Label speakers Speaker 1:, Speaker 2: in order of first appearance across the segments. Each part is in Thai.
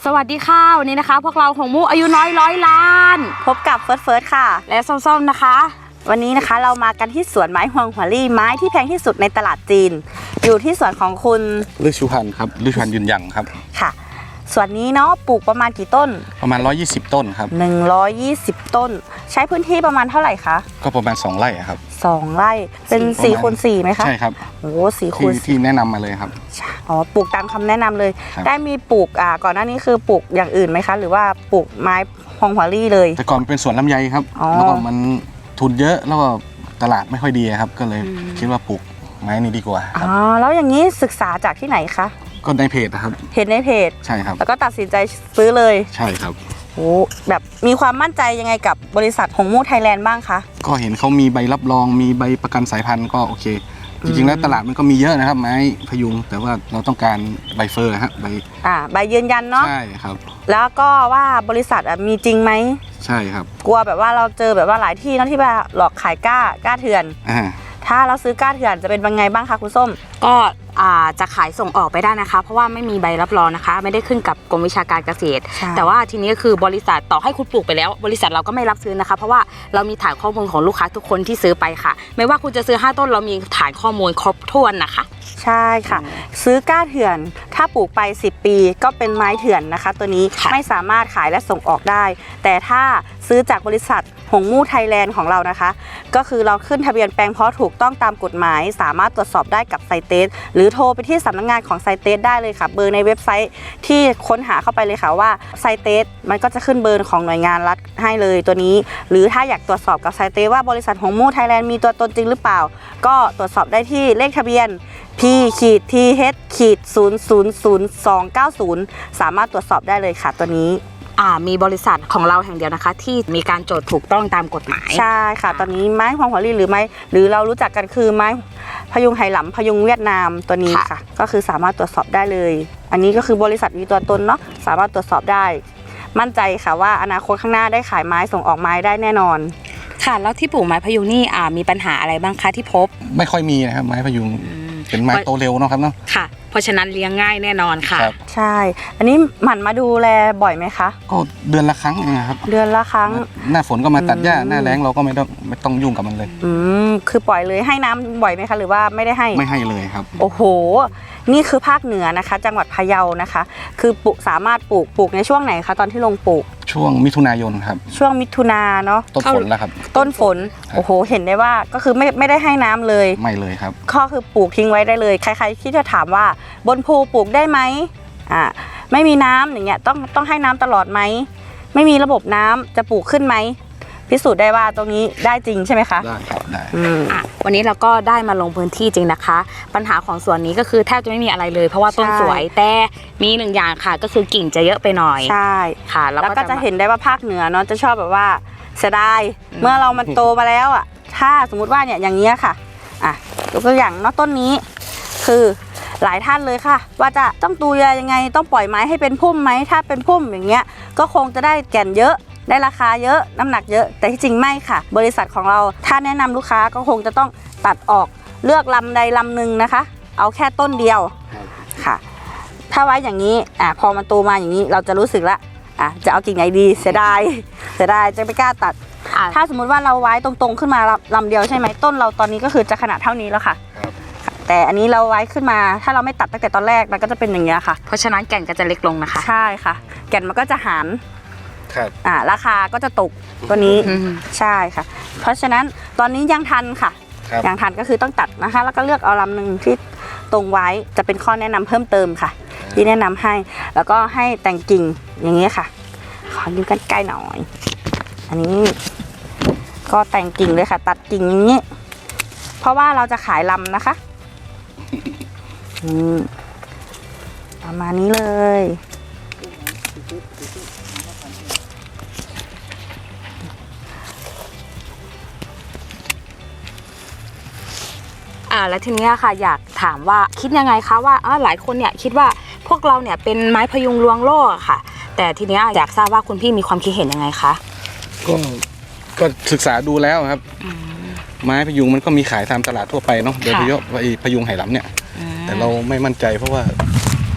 Speaker 1: สวัสดีค่ะวันนี้นะคะพวกเราหงมูอายุน้อย100 ล้าน
Speaker 2: พบกับเฟิร์สค่ะ
Speaker 1: และส้มๆนะคะ
Speaker 2: วันนี้นะคะเรามากันที่สวนไม้ฮวงหัวลี่ไม้ที่แพงที่สุดในตลาดจีนอยู่ที่สวนของคุณ
Speaker 3: ฤชุพันธ์ครับฤชุพันธ์ยืนยังครับ
Speaker 2: ค่ะสวนนี้เนาะปลูกประมาณกี่ต้น
Speaker 3: ประมาณ120ต้นครับ
Speaker 2: 120ต้นใช้พื้นที่ประมาณเท่าไหร่คะ
Speaker 3: ก็ประมาณ2 ไร่ครับ
Speaker 2: 2 ไร่เป็น4 คูณ 4ไหมคะ
Speaker 3: ใช่ครับ
Speaker 2: โอ้4 คูณ
Speaker 3: ที่แนะนำมาเลยครับ
Speaker 2: อ๋อปลูกตามคำแนะนำเลยได้มีปลูกก่อนหน้านี้คือปลูกอย่างอื่นไหมคะหรือว่าปลูกไม้ฮวงหัวลี่เลย
Speaker 3: แต่ก่อนเป็นสวนลำไยครับแล้วก็มันทุนเยอะแล้วก็ตลาดไม่ค่อยดีครับก็เลยคิดว่าปลูกไม้นี้ดีกว่า
Speaker 2: อ๋อแล้วอย่างนี้ศึกษาจากที่ไหนคะ
Speaker 3: ก็ในเพจนะครับ
Speaker 2: เห็นในเพจ
Speaker 3: ใช่ครับ
Speaker 2: แล้วก็ตัดสินใจซื้อเลย
Speaker 3: ใช่ครับ
Speaker 2: โอ้แบบมีความมั่นใจยังไงกับบริษัทหงมูไทยแลนด์บ้างคะ
Speaker 3: ก็เห็นเขามีใบรับรองมีใบประกันสายพันธุ์ก็โอเคจริงๆแล้วตลาดมันก็มีเยอะนะครับไม้พยุงแต่ว่าเราต้องการใบเฟอร์ฮะ
Speaker 2: ใบยืนยันเนาะ
Speaker 3: ใช่ครับ
Speaker 2: แล้วก็ว่าบริษัทมีจริงไหม
Speaker 3: ใช่ครับ
Speaker 2: กลัวแบบว่าเราเจอแบบว่าหลายที่นะที่แบบหลอกขายกล้าเถื่อนถ้าเราซื้อกล้าเถื่อนจะเป็นยังไงบ้างคะคุณส้ม
Speaker 1: ก็จะขายส่งออกไปได้นะคะเพราะว่าไม่มีใบรับรองนะคะไม่ได้ขึ้นกับกรมวิชาการเกษตรแต่ว่าทีนี้คือบริษัทต่อให้คุณปลูกไปแล้วบริษัทเราก็ไม่รับซื้อนะคะเพราะว่าเรามีฐานข้อมูลของลูกค้าทุกคนที่ซื้อไปค่ะไม่ว่าคุณจะซื้อ5 ต้นเรามีฐานข้อมูลครบถ้วนนะคะ
Speaker 2: ใช่ค่ะซื้อกล้าเถื่อนถ้าปลูกไป10 ปีก็เป็นไม้เถื่อนนะคะตัวนี้ไม่สามารถขายและส่งออกได้แต่ถ้าซื้อจากบริษัทหงมูไทยแลนด์ของเรานะคะก็คือเราขึ้นทะเบียนแปลงเพาะถูกต้องตามกฎหมายสามารถตรวจสอบได้กับไซเตสหรือโทรไปที่สำนักงานของไซเตสได้เลยค่ะเบอร์ในเว็บไซต์ที่ค้นหาเข้าไปเลยค่ะว่าไซเตสมันก็จะขึ้นเบอร์ของหน่วยงานรัฐให้เลยตัวนี้หรือถ้าอยากตรวจสอบกับไซเตสว่าบริษัทหงมูไทยแลนด์มีตัวตนจริงหรือเปล่าก็ตรวจสอบได้ที่เลขทะเบียน P-TH-000290 สามารถตรวจสอบได้เลยค่ะตัวนี้
Speaker 1: มีบริษัทของเราแห่งเดียวนะคะที่มีการจดถูกต้องตามกฎหมาย
Speaker 2: ใช่ค่ะตอนนี้ไม้ฮวงหัวลี่หรือเรารู้จักกันคือไม้พยุงไหหลำพยุงเวียดนามตัวนี้ค่ะก็คือสามารถตรวจสอบได้เลยอันนี้ก็คือบริษัทมีตัวตนเนาะสามารถตรวจสอบได้มั่นใจค่ะว่าอนาคตข้างหน้าได้ขายไม้ส่งออกไม้ได้แน่นอน
Speaker 1: ค่ะแล้วที่ปลูกไม้พยุงนี่มีปัญหาอะไรบ้างคะที่พบ
Speaker 3: ไม่ค่อยมีนะครับไม้พยุงเป็นไม้โตเร็วเนาะครับเนาะ
Speaker 1: ค่ะเพราะฉะนั้นเลี้ยงง่ายแน่นอนค่ะ
Speaker 2: ใช่อันนี้หมั่นมาดูแลบ่อยไหมคะ
Speaker 3: ก็เดือนละครั้งเองครับ
Speaker 2: เดือนละครั้ง
Speaker 3: หน้าฝนก็มาตัดหญ้าหน้าแล้งเราก็ไม่ต้องยุ่งกับมันเลย
Speaker 2: คือปล่อยเลยให้น้ำบ่อยไหมคะหรือว่าไม่ได้ให้
Speaker 3: ไม่ให้เลยครับ
Speaker 2: โอ้โหนี่คือภาคเหนือนะคะจังหวัดพะเยานะคะคือสามารถปลูกในช่วงไหนคะตอนที่ลงปลูก
Speaker 3: ช่วงมิถุนายนครับ
Speaker 2: ช่วงมิถุนาเนาะ
Speaker 3: ต้นฝนแล้วครับ
Speaker 2: ต้นฝนโอ้โหเห็นได้ว่าก็คือไม่ได้ให้น้ำเลย
Speaker 3: ไม่เลยครับ
Speaker 2: ก็คือปลูกทิ้งไว้ได้เลยใครๆที่จะถามว่าบนภูปลูกได้ไหมไม่มีน้ำอย่างเงี้ยต้องให้น้ำตลอดไหมไม่มีระบบน้ำจะปลูกขึ้นไหมพิสูจน์ได้ว่าตรงนี้ได้จริงใช่ไหมคะ
Speaker 3: ได้ครับได้
Speaker 1: วันนี้เราก็ได้มาลงพื้นที่จริงนะคะปัญหาของสวนนี้ก็คือแทบจะไม่มีอะไรเลยเพราะว่าต้นสวยแต่มี1 อย่างค่ะก็คือกิ่งจะเยอะไปหน่อย
Speaker 2: ใช่
Speaker 1: ค่ะ
Speaker 2: แล้วก็จะเห็นได้ว่าภาคเหนือเนาะจะชอบแบบว่าเสียดายเมื่อเรามันโตมาแล้วถ้าสมมุติว่าเนี่ยอย่างเงี้ยค่ะยกตัวอย่างเนาะต้นนี้คือหลายท่านเลยค่ะว่าจะต้องดูแลยังไงต้องปล่อยไม้ให้เป็นพุ่มไหมถ้าเป็นพุ่มอย่างเงี้ยก็คงจะได้แก่นเยอะได้ราคาเยอะน้ำหนักเยอะแต่ที่จริงไม่ค่ะบริษัทของเราถ้าแนะนำลูกค้าก็คงจะต้องตัดออกเลือกลำใดลำหนึ่งนะคะเอาแค่ต้นเดียวค่ะถ้าไว้อย่างนี้พอมันโตมาอย่างนี้เราจะรู้สึกละจะเอากิ่งไหนดีเสียดายจะไม่กล้าตัดถ้าสมมุติว่าเราไว้ตรงๆขึ้นมาลำเดียวใช่ไหมต้นเราตอนนี้ก็คือจะขนาดเท่านี้แล้วค่ะแต่อันนี้เราไว้ขึ้นมาถ้าเราไม่ตัดตั้งแต่ตอนแรกมันก็จะเป็นอย่างเงี้ยค่ะ
Speaker 1: เพราะฉะนั้นแก่นก็จะเล็กลงนะคะ
Speaker 2: ใช่ค่ะแก่นมันก็จะหารราคาก็จะตกตัวนี้ใช่ค่ะเพราะฉะนั้นตอนนี้ยังทันค่ะยังทันก็คือต้องตัดนะคะแล้วก็เลือกเอาลำหนึ่งที่ตรงไว้จะเป็นข้อแนะนำเพิ่มเติมค่ะที่แนะนำให้แล้วก็ให้แต่งกิ่งอย่างนี้ค่ะขอยืมกันใกล้หน่อยอันนี้ก็แต่งกิ่งเลยค่ะตัดกิ่งอย่างนี้เพราะว่าเราจะขายลำนะคะประมาณนี้เลย
Speaker 1: แล้วทีนี้ค่ะอยากถามว่าคิดยังไงคะว่าหลายคนเนี่ยคิดว่าพวกเราเนี่ยเป็นไม้พยุงลวงโลกค่ะแต่ทีนี้อยากทราบว่าคุณพี่มีความคิดเห็นยังไงคะ
Speaker 3: ก็ศึกษาดูแล้วครับไม้พยุงมันก็มีขายตามตลาดทั่วไปเนาะโดยเฉพาะพยุงไหหลำเนี่ยแต่เราไม่มั่นใจเพราะว่า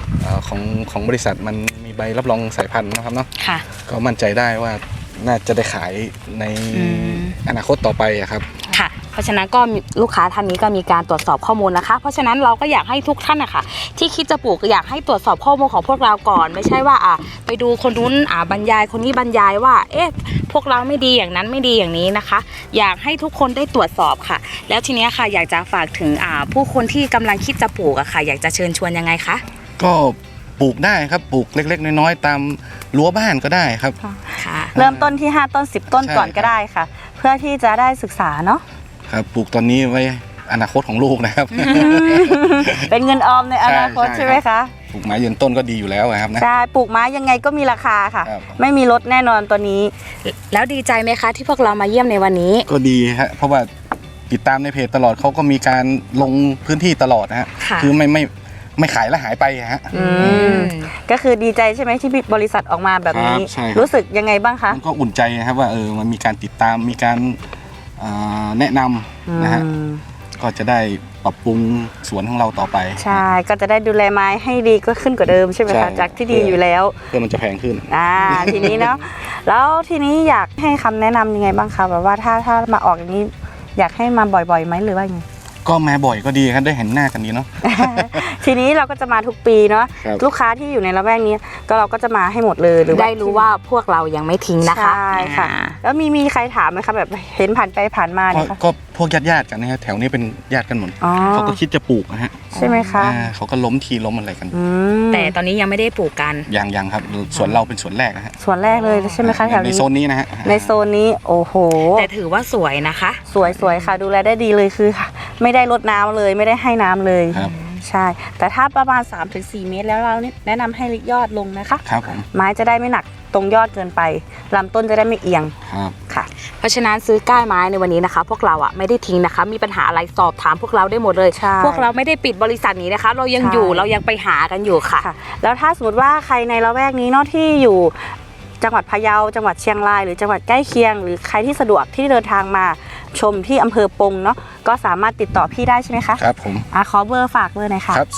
Speaker 3: ของบริษัทมันมีใบรับรองสายพันธุ์นะครับเนาะ
Speaker 1: ค่ะ
Speaker 3: ก็มั่นใจได้ว่าน่าจะได้ขายใน
Speaker 1: อืม
Speaker 3: อนาคตต่อไปอะครับ
Speaker 1: ค่ะ เพราะฉะนั้นก็ลูกค้าท่านนี้ก็มีการตรวจสอบข้อมูลนะคะ เพราะฉะนั้นเราก็อยากให้ทุกท่านนะคะที่คิดจะปลูกอยากให้ตรวจสอบข้อมูลของพวกเราก่อน ไม่ใช่ว่าไปดูคนนู้นบรรยายคนนี้บรรยายว่าพวกเราไม่ดีอย่างนั้นไม่ดีอย่างนี้นะคะ อยากให้ทุกคนได้ตรวจสอบค่ะ แล้วทีนี้ค่ะอยากจะฝากถึงผู้คนที่กำลังคิดจะปลูกอะค่ะ อยากจะเชิญชวนยังไงคะ
Speaker 3: ก็ปลูกได้ครับปลูกเล็กๆน้อยๆตามรั้วบ้านก็ได้ครับ
Speaker 1: ค่ะ
Speaker 2: เริ่มต้นที่5ต้น10ต้น
Speaker 3: ใช่
Speaker 2: ก่อนก็ได้ค่ะ เพื่อที่จะได้ศึกษาเนาะ
Speaker 3: ครับปลูกตอนนี้ไว้อนาคตของลูกนะครับ
Speaker 2: เป็นเงินออมในอนาคต
Speaker 3: ใช่
Speaker 2: ใช่ไหมคะ
Speaker 3: ปลูกไม้ยืนต้นก็ดีอยู่แล้วครับนะ
Speaker 2: ใช่ปลูกไม้ยังไงก็มีราคาค่ะ
Speaker 3: ครับ
Speaker 2: ไม่มีลดแน่นอนตัวนี้
Speaker 1: แล้วดีใจไหมคะที่พวกเรามาเยี่ยมในวันนี้
Speaker 3: ก็ดีฮะเพราะว่าติดตามในเพจตลอดเขาก็มีการลงพื้นที่ตลอดนะฮะ
Speaker 1: ค่ะ
Speaker 3: คือไม่ขายแล้วหายไปฮะ
Speaker 2: อืม ก็คือดีใจใช่ไหมที่บริษัทออกมาแบบนี้
Speaker 3: ครับใช่ครับ
Speaker 2: รู้สึกยังไงบ้างคะ
Speaker 3: มันก็อุ่นใจนะครับว่ามันมีการติดตามมีการแนะนำนะฮะ
Speaker 2: อืม
Speaker 3: ก็จะได้ปรับปรุงสวนของเราต่อไป
Speaker 2: ใช่ก็จะได้ดูแลไม้ให้ดีก็ขึ้นกว่าเดิมใช่ไหม
Speaker 3: ใช่
Speaker 2: คะจากที่ดีอยู่แล้ว
Speaker 3: เพื่อมันจะแพงขึ้น
Speaker 2: ทีนี้เนาะ แล้วทีนี้อยากให้คำแนะนำยังไงบ้างคะแบบว่าถ้ามาออกอย่างนี้ อยากให้มาบ่อยๆไหมหรือว่ายังไง
Speaker 3: ก็มาบ่อยก็ดีครับได้เห็นหน้ากันดีเนาะ
Speaker 2: ทีนี้เราก็จะมาทุกปีเนาะ
Speaker 3: ครับ
Speaker 2: ลูกค้าที่อยู่ในละแวกนี้ก็เราก็จะมาให้หมดเลยหรือ
Speaker 1: ได้รู้ว่าพวกเรายังไม่ทิ้งนะคะ
Speaker 2: ใช่ค่ะ แล้วมีใครถามไหมคะแบบเห็นผ่านไปผ่านมาเนี่ยค่ะ
Speaker 3: ก็พวกญาติๆกันนะฮะแถวนี้เป็นญาติกันหมด
Speaker 2: อ๋อ
Speaker 3: เขาก็คิดจะปลูกนะฮะ
Speaker 2: ใช่ไหมคะ
Speaker 3: เขาก็ล้มทีล้มอะไรกัน
Speaker 2: อืม
Speaker 1: แต่ตอนนี้ยังไม่ได้ปลูกกัน
Speaker 3: ยังครับสวนเราเป็นสวนแรกนะฮะ
Speaker 2: ส่วนแรกเลยใช่ไหมคะแถว
Speaker 3: ใน
Speaker 2: นี้
Speaker 3: โซนนี้นะฮะ
Speaker 2: ในโซนนี้โอ้โห
Speaker 1: แต่ถือว่าสวยนะคะ
Speaker 2: สวยค่ะดูแลได้ดีเลยคือค่ะ ไม่ได้รดน้ำเลยไม่ได้ให้น้ำเลย
Speaker 3: ครับ
Speaker 2: ใช่ แต่ถ้าประมาณ 3-4 เมตรแล้วเราแนะนำให้ยอดลงนะคะ
Speaker 3: ครับผม
Speaker 2: ไม้จะได้ไม่หนักตรงยอดเกินไปลำต้นจะได้ไม่เอียง
Speaker 3: ครับ
Speaker 2: ค่ะ
Speaker 1: เพราะฉะนั้นซื้อก้านไม้ในวันนี้นะคะ พวกเราไม่ได้ทิ้งนะคะ มีปัญหาอะไรสอบถามพวกเราได้หมดเลย
Speaker 2: ใช่
Speaker 1: พวกเราไม่ได้ปิดบริษัทนี้นะคะ เรายัง
Speaker 2: ใช่
Speaker 1: อยู่เรายังไปหากันอยู่ค่ะ
Speaker 2: ค่ะ แล้วถ้าสมมติว่าใครในละแวกนี้เนาะที่อยู่จังหวัดพะเยาจังหวัดเชียงรายหรือจังหวัดใกล้เคียง หรือใครที่สะดวกที่เดินทางมาชมที่อำเภอปงเนาะก็สามารถติดต่อพี่ได้ใช่ไหมคะ
Speaker 3: ครับผม
Speaker 2: ขอเบอร์ฝากเบอร์หน่อยค่ะ
Speaker 3: ครับ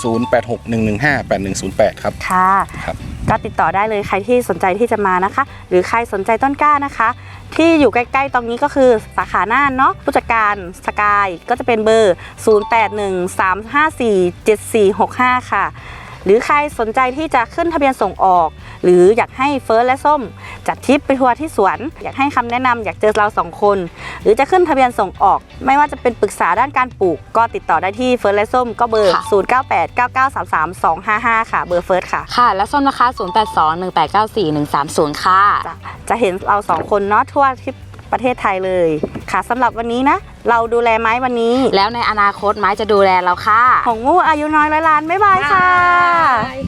Speaker 3: 0861158108ครับ
Speaker 2: ค่ะ
Speaker 3: ครับ
Speaker 2: ก็ติดต่อได้เลยใครที่สนใจที่จะมานะคะ หรือใครสนใจต้นกล้านะคะ ที่อยู่ใกล้ๆตรงนี้ก็คือสาขาน่านเนาะผู้จัดการสกายก็จะเป็นเบอร์ 0813547465 ค่ะ หรือใครสนใจที่จะขึ้นทะเบียนส่งออก หรืออยากให้เฟิร์สและส้มจัดทริปไปทัวร์ที่สวน อยากให้คำแนะนำอยากเจอเรา2 คน หรือจะขึ้นทะเบียนส่งออก ไม่ว่าจะเป็นปรึกษาด้านการปลูก ก็ติดต่อได้ที่เฟิร์สและส้มก็เบอร์
Speaker 1: ค่ะ
Speaker 2: 0989933255 ค่ะเบอร์เฟิร์สค่ะ
Speaker 1: ค่ะ และส้มนะคะ0821894130ค่ะ
Speaker 2: จะเห็นเรา2 คนเนาะทั่วที่ประเทศไทยเลยค่ะสำหรับวันนี้นะ เราดูแลไม้วันนี้
Speaker 1: แล้วในอนาคตไม้จะดูแลเราค่ะ
Speaker 2: ของมู่อายุน้อยร้อยล้านบ๊ายบายค่ะ
Speaker 1: บ๊าย